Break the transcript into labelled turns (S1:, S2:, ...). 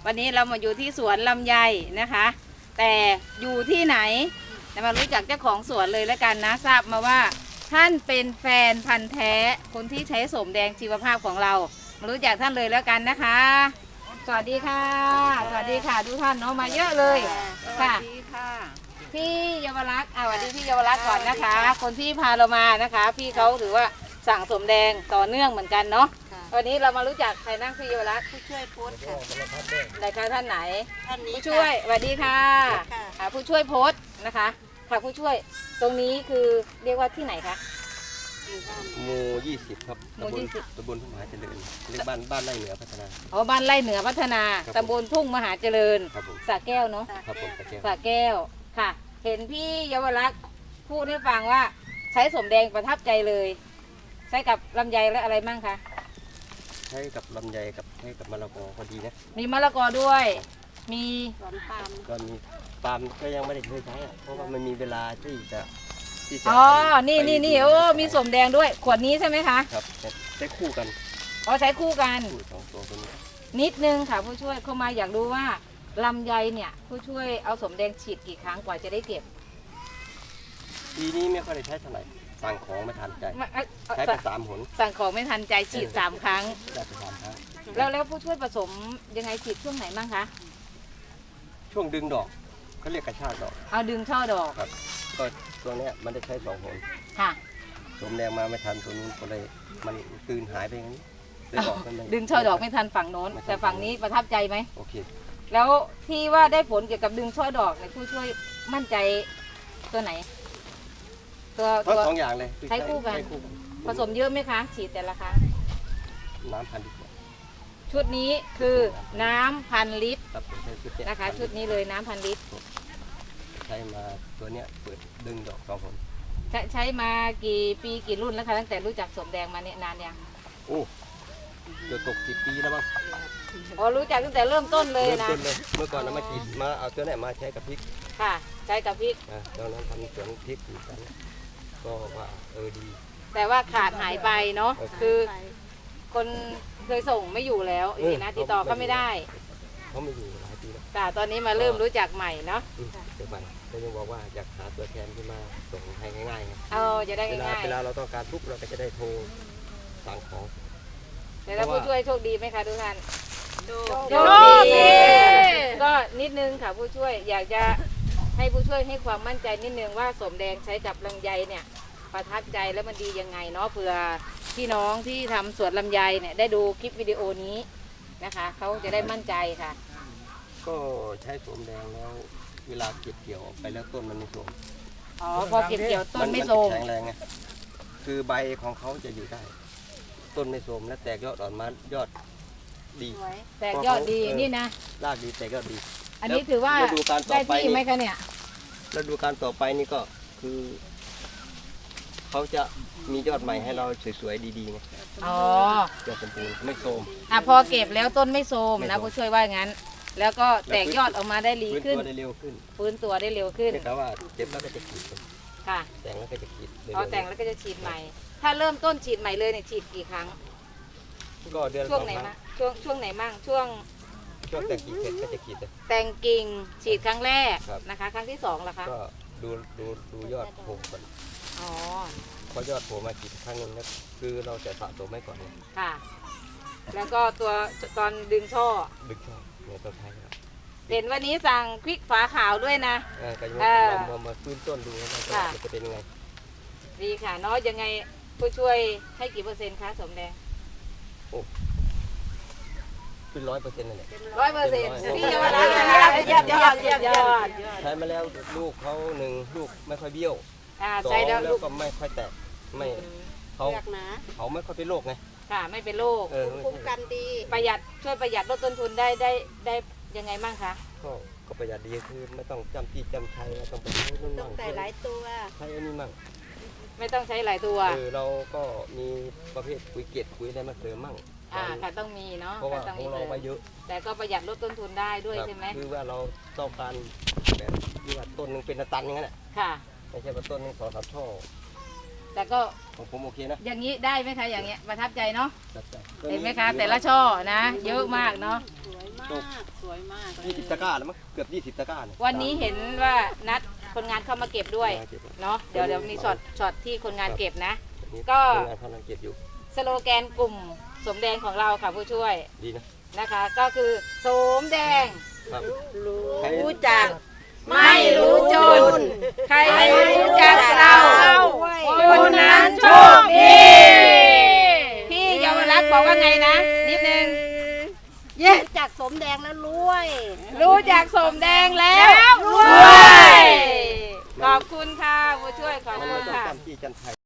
S1: วันนี้เรามาอยู่ที่สวนลำไยนะคะ แต่อยู่ที่ไหนมารู้จักเจ้าของสวนเลยแล้วกันนะทราบมาว่าท่านเป็นแฟนพันธ์แท้คนที่ใช้โสมแดงชีวภาพของเรามารู้จักท่านเลยแล้วกันนะคะ สวัสดีค่ะสวัสดีค่ะทุกท่านเนาะมาเยอะเลยค่ะ พี่เยาวรักษ์สวัสดีพี่เยาวรักษ์ก่อนนะคะ คนที่พาเรามานะคะ พี่เขาถือว่าสั่งสมแดงต่อเนื่องเหมือนกันเนาะวันนี้เรามารู้จักใครนั่งพี่เยาวรักษ์ผู้ช่วยโพสค่ะไหนคะท่านไหนผู้ช่วยสวัสดีค่ะผู้ช่วยโพสนะคะค่ะผู้ช่วยตรงนี้คือเรียกว่าที่ไหนคะ
S2: หมู่20ครับตำบลทุ่งมหาเจริญเรียกบ้านไร่เหนือพัฒนา
S1: อ๋อบ้านไร่เหนือพัฒนาตำบลทุ่งมหาเจริญสระแก้วเนาะ
S2: ครับผม
S1: สระแก้วค่ะเห็นพี่เยาวรักษ์พูดให้ฟังว่าใช้สมแดงประทับใจเลยใช้กับลำไยและอะไรมั่งคะ
S2: ใช้กับลำไยกับใช้กับมะละกอพอดีนะ
S1: มีมะละกอด้วยมี
S2: ก็มีปาล์มก็ยังไม่ได้เคยใช้เพราะว่ามันมีเวลาที่จะ
S1: อ๋อนี่โอ้มีสมแดงด้วยขวดนี้ใช่ไหมคะ
S2: ครับใช้คู่กัน
S1: อ๋อใช้คู่กัน
S2: สองตัวนี้
S1: นิดนึงค่ะผู้ช่วยเข้ามาอยากรู้ว่าลำไยเนี่ยผู้ช่วยเอาสมแดงฉีดกี่ครั้งกว่าจะได้เก็บ
S2: ปีนี้ไม่ค่อยได้ใช้เท่าไหร่สั่งของไม่ทันใจใช้ไป3 หน
S1: สั่งของไม่ทันใจฉีด3 ครั้ง
S2: ได้ไป3 ครั้ง
S1: แล้วผู้ช่วยผสมยังไงฉีดช่วงไหนบ้างคะ
S2: ช่วงดึงดอกเขาเรียกกระชากดอก
S1: เอาดึงช่อดอก
S2: ครับก็ตัวนี้มันได้ใช้2 หน
S1: ค่ะ
S2: สมแดงมาไม่ทันตัวนี้ก็เลยมันตื่นหายไปอย่างนี้
S1: ดึงช่อดอกไม่ทันฝั่งโน้นแต่ฝั่งนี้ประทับใจไหม
S2: โอเค
S1: แล้วที่ว่าได้ผลเกี่ยวกับดึงช่อดอกเนี่ยผู้ช่วยมั่นใจตัวไหน
S2: ทั้ง2 อย่างเลย
S1: ใช้คู่กันผสมเยอะไหมคะฉีดแต่ละครั้ง
S2: น้ำ1,000 ลิตร
S1: ชุดนี้คือน้ำ1,000 ลิตรนะคะชุดนี้เลยน้ำ1,000 ลิตร
S2: ใช้มาตัวเนี้ยเปิดดึงดอก2 หน
S1: ใช้มากี่ปีกี่รุ่นแล้วคะตั้งแต่รู้จักสมแดงมาเนี่ยนานยัง
S2: โอ้เกือบตก10 ปีแล้วมั้ง
S1: อ๋อรู้จักตั้งแต่เริ่มต้นเลยนะ
S2: เมื่อก่อนเรามาฉีดมาเอาตัวไหนมาใช้กับพริก
S1: ค่ะใช้กับพริก
S2: ตอนนั้นทำสวนพริกอยู่กันก็ว่าดี
S1: แต่ว่าขาดหายไปเนาะคือคนเคยส่งไม่อยู่แล้วอีกนะติดต่อก็ไม่ได้
S2: เขาไม่อยู่หลายปีแล้ว
S1: แต่ตอนนี้มาเริ่มรู้จักใหม่เนาะ
S2: เกิดใหม่ก็ยังบอกว่าอยากหาตัวแทนที่มาส่งให้ง่าย
S1: ๆจะได้ง่าย
S2: เวลาเราต้องการทุกเราก็จะได้โทรสั่งของ
S1: แต่ถ้าผู้ช่วยโชคดีไหมคะทุกท่านโชคดีก็นิดนึงค่ะผู้ช่วยอยากจะให้ผู้ช่วยให้ความมั่นใจนิดนึงว่าสมแดงใช้กับลำไยเนี่ยประทับใจแล้วมันดียังไงเนาะเผื่อพี่น้องที่ทำสวนลำไยเนี่ยได้ดูคลิปวิดีโอนี้นะคะเขาจะได้มั่นใจค่ะ
S2: ก็ใช้สมแดงแล้วเวลาเก็บเกี่ยวออกไปแล้วต้นมันไม่โทรม
S1: อ๋อพอเก็บเกี่ยวต้นไม่โทรม
S2: แข็งแรงไงคือใบของเขาจะอยู่ได้ต้นไม่โทรมและแตกยอดอ่อนมายอดดี
S1: แตกยอดดีนี่นะ
S2: รากดีแตกยอดดี
S1: อันนี้ถือว่าได้ที่ไหมคะเนี่ย
S2: แล้วดูการต่อไปนี่ก็คือเขาจะมียอดใหม่ให้เราสวยๆดีๆไง
S1: อ๋อย
S2: อดสมบูรณ์ไม่โทรม
S1: พอเก็บแล้วต้นไม่โทรมนะผู้ช่วยว่างั้นแล้วก็แตกยอดออกมาได้ดีขึ้น
S2: ฟื้นตัวได้เร็วขึ้น
S1: ฟื้นตัวได้เร็วขึ้น
S2: แต่ว่าเจ็บแล้วก็จะขีด
S1: ค่ะ
S2: แต่งแล้วก็จะขีด
S1: แต่งแล้วก็จะฉีดใหม่ถ้าเริ่มต้นฉีดใหม่เลยเนี่ยฉีดกี่ครั้ง
S2: ก็เดือน
S1: ช่วงไหนมั่งช่วงไหนมั่งช่วง
S2: แต่งกิ่งเสร็จก็จะขีด
S1: แต่งกิ่งฉีดครั้งแรกนะคะครั้งที่2ล่ะคะ
S2: ก็ดูยอดโผล่ก่อน
S1: อ๋อ
S2: พอยอดโผล่มาขีดครั้งนึงแล้วคือเราจะสะสมไว้ก่อน
S1: ค่ะแล้วก็ตัวตอนดึงช่อ
S2: เนี่ยต้นไม้
S1: เห็นวันนี้สั่งควิกฝาขาวด้วยนะ
S2: ก็ยังมาฟื้นต้นดูว่ามันจะเป็นยังไง
S1: ดีค่ะเนาะยังไงผู้ช่วยให้กี่%คะสมแดง
S2: โอ้เป็น100%นั่นแหละ
S1: 100%พี่เยาวรักษ์ยอด
S2: ใช้มาแล้วลูกเขา1 ลูกไม่ค่อยเบี้ยว
S1: ใช้แล้ว
S2: ลูกก็ไม่ค่อยแตกไม่เขาไม่ค่อยเป็นโรคไง
S1: ค่ะไม่เป็นโรค
S3: คุ้มกันดี
S1: ประหยัดช่วยประหยัดลดต้นทุนได้ยังไงบ้างคะ
S2: ก็ประหยัดดีคือไม่ต้องจำที่จำชัยไม่ต้องไป
S3: ต้องใส่หลายตัว
S2: ใช้อันนี้มั่ง
S1: ไม่ต้องใช้หลายตัว
S2: เราก็มีประเภทปุ๋ยเกล็ดปุ๋ยอะไรมาเสริมมั่ง
S1: ค่ะต้องมีเนาะ
S2: เพราะว่าของเราไปเยอะ
S1: แต่ก็ประหยัดลดต้นทุนได้ด้วยใช่ไหม
S2: คือว่าเราต้องการแบบที่ว่าต้นนึงเป็นตันอย่างนั้นแหละ
S1: ค่ะ
S2: ไม่ใช่ว่าต้นนึง2-3 ช่อ
S1: แต่ก็
S2: ของผมโอเคนะ
S1: อย่างนี้ได้ไหมคะอย่างเงี้ยประทับใจเนาะ
S2: จัดใจ
S1: เห็นไหมคะแต่ละช่อนะ เยอะมากเนาะ
S3: สวยมาก
S2: 20 ตะกร้าแล้วมั้งเกือบ20 ตะกร้าเนี่ย
S1: วันนี้เห็นว่านัดคนงานเข้ามาเก็บด้วยเนาะเดี๋ยวมีช็อตที่คนงานเก็บนะ ก็
S2: คนงานเขากำลังเก็บอยู่
S1: สโลแกนกลุ่มสมแดงของเราค่ะผู้ช่วย
S2: ดีนะ
S1: นะคะ ก็คือสมแดง
S2: ครับ
S3: รู้จัก
S1: ไม่รู้จน ใครรู้จักเราคนนั้นโชคดีพี่เยาวรักษณ์บอกว่าไงนะนิดนึง
S3: รู้จักสมแดงแล้วรวย
S1: รู้จักสมแดงแล้วรวยขอบคุณค่ะผู้ช่วยขอบ
S2: มัน
S1: คุ
S2: ไม่
S1: ณ
S2: ต้อง
S1: ค่ะ
S2: จำที่จันไทย